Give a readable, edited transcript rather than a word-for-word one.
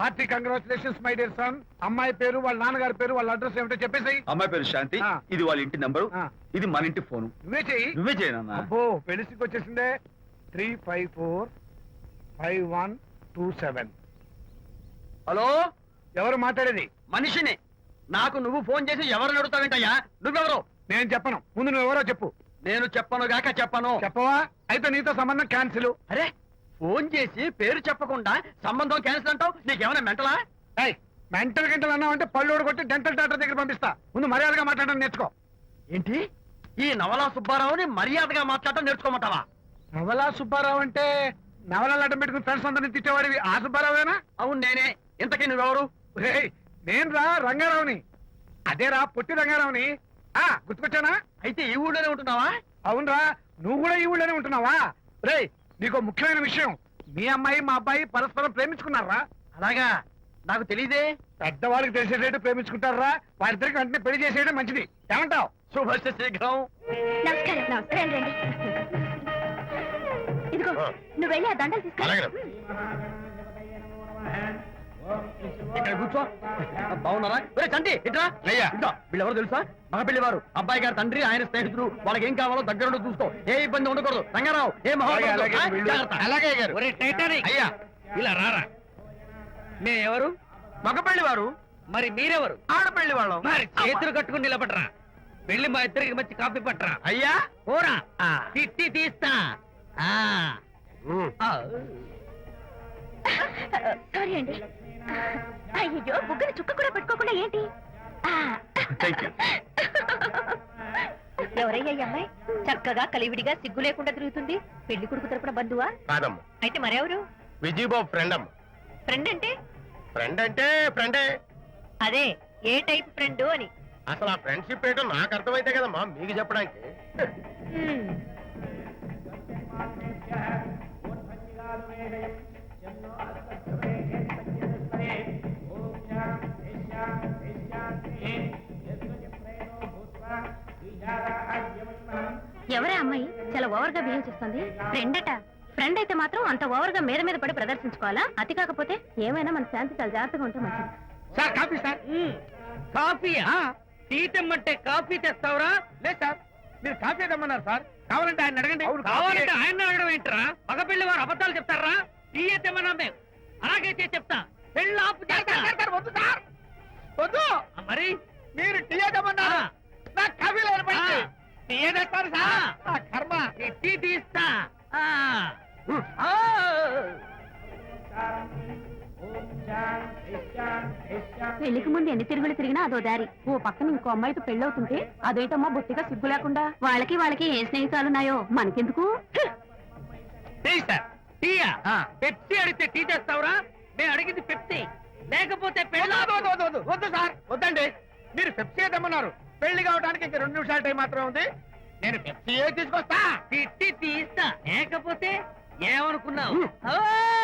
Hearty congratulations my dear son. అమ్మాయి పేరు, వాళ్ళ నాన్నగారి పేరు, వాళ్ళ అడ్రస్ ఏమిటో చెప్పేసి. అమ్మాయి పేరు శాంతి, ఇది వాళ్ళ ఇంటి నంబరు, ఇది మన ఇంటి ఫోను. నువ్వే చెయ్యి. నువ్వే చేయనన్నా. అబ్బో పెళ్లికి వచ్చేసిందే. 3545127. హలో, ఎవరు మాట్లాడేది? మనిషిని. నాకు నువ్వు ఫోన్ చేసి ఎవరు అడుగుతావేంటయ్యా? నువ్వెవరు? నేను చెప్పను, ముందు నువ్వెవరో చెప్పు. నేను చెప్పను గాక చెప్పను. చెప్పవా? అయితే నీతో సంబంధం క్యాన్సిల్. అరే, ఫోన్ చేసి పేరు చెప్పకుండా సంబంధం క్యాన్సిల్ అంటావు? నీకేమైనా మెంటలా? మెంటల్ గంటలు అన్నావు అంటే పళ్ళోడు కొట్టి డెంటల్ డాక్టర్ దగ్గర పంపిస్తా. ముందు మర్యాదగా మాట్లాడడం నేర్చుకో. ఏంటి, ఈ నవలా సుబ్బారావుని మర్యాదగా మాట్లాడటం నేర్చుకోమంటావా? నవలా సుబ్బారావు అంటే నవలాలు అడ్డం పెట్టుకుని ఫ్రెండ్స్ అందరినీ తిట్టేవాడివి ఆ సుబ్బారావేనా? అవును నేనే. ఇంతకీ నువ్వెవరు? నేను రా రంగారావుని. అదేరా పొట్టి రంగారావుని. గుర్తుకొచ్చానా? అయితే ఈ ఊళ్ళోనే ఉంటున్నావా? అవునరా, నువ్వు కూడా ఈ ఊళ్ళోనే ఉంటున్నావా? రే, నీకు ముఖ్యమైన విషయం, మీ అమ్మాయి మా అబ్బాయి పరస్పరం ప్రేమించుకున్నారా? అలాగా? నాకు తెలీదే. పెద్దవాళ్ళకి తెలిసేటట్టు ప్రేమించుకుంటారా? వారిద్దరికి వెంటనే పెళ్లి చేసేయడం మంచిది. ఏమంటావు? శుభస్య శీఘ్రం. నమస్కారం. నమస్కారం రండి. ఇదిగో నువ్వు వెళ్ళి ఆ దండలు తీసుకో. ఇక్కడ కూర్చో. బాగున్నారా? చంటి ఇట్రా. వీళ్ళెవరు తెలుసా? మగ పెళ్లివారు, అబ్బాయి గారి తండ్రి, ఆయన స్నేహితులు. వాళ్ళకి ఏం కావాలో దగ్గరుండి చూసుకో. ఏ ఇబ్బంది ఉండకూడదు. రంగారావు ఏ అయ్యా ఇలా రారా. మే ఎవరు? మగ పెళ్లివారు. మరి మీరెవరు? ఆడపెళ్లి వాళ్ళం. మరి చేతులు కట్టుకుని నిలబడరా. వెళ్ళి మా ఇద్దరికి మంచి కాఫీ పట్టరా. అయ్యా పోరా, తిట్టి తీస్తా. సారీ అండి. అయ్యో బుగ్గని చుక్క కూడా పెట్టుకోకుండా ఏంటి? ఎవరయ్యా ఈ అమ్మాయి? చక్కగా కలివిడిగా సిగ్గు లేకుండా తిరుగుతుంది. పెళ్లి కొడుకు తరపున బంధువా? కాదమ్మా. అయితే మరెవరు? విజయబాబు ఫ్రెండ్ అమ్మ. ఫ్రెండ్ అంటే? ఫ్రెండ్ అంటే ఫ్రెండే. అదే ఏ టైప్ ఫ్రెండ్ అని. అసలు ఆ ఫ్రెండ్షిప్ ఏంటో నాకు అర్థమైతే కదమ్మా మీకు చెప్పడానికి. ఎవరే అమ్మాయి చాలా ఓవర్ గా బిహేవ్ చేస్తుంది? ఫ్రెండ్ అట. ఫ్రెండ్ అయితే మాత్రం అంత ఓవర్ గా మీద మీద పడి ప్రదర్శించుకోవాలా? అతి కాకపోతే ఏమైనా మన శాంతి చాలా జాగ్రత్తగా ఉంటే మంచిది. Sir coffee sir. కాఫీయా? టీ తెమ్మంటే కాఫీ తెస్తావురా? లేదు సార్, మీరు కాఫీ తెమ్మన్నారు సార్. కావాలంటే ఆయన అడగండి. కావాలంటే ఆయన అడగడం ఏంట్రా? మగ పెళ్లి వారు అబద్ధాలు చెప్తారా? టీ తెమ్మన్నా మేము అలాగే చేసి చెప్తా. పెళ్ళి ఆపు చేస్తా. వద్దు సార్, వద్దు. మరి మీరు టీ తెమ్మన్నారు, నాకు కాఫీ లేదు. టీ తెస్తారు సార్. కర్మ. టీ తీస్తా. పెళ్లికి ముందు ఎన్ని తిరుగులు తిరిగినా అదో దారి. ఓ పక్కన ఇంకో అమ్మాయితో పెళ్ళవుతుంటే అదేంటమ్మా బొత్తిగా సిగ్గు లేకుండా. వాళ్ళకి ఏ స్నేహితాలున్నాయో మనకెందుకు? టీయా? పెప్సీ అడిగితే టీ తెస్తావురా? నేను అడిగింది పెప్సీ, లేకపోతే వద్దు సార్, వద్దండి. మీరు పెప్సీ తెమ్మన్నారు. పెళ్లి కావడానికి ఇంక 2 నిమిషాల టైం మాత్రమే ఉంది. నేను పెప్సీ తీసుకొస్తా. తిట్టి తీస్తా. లేకపోతే ఏమనుకున్నావు?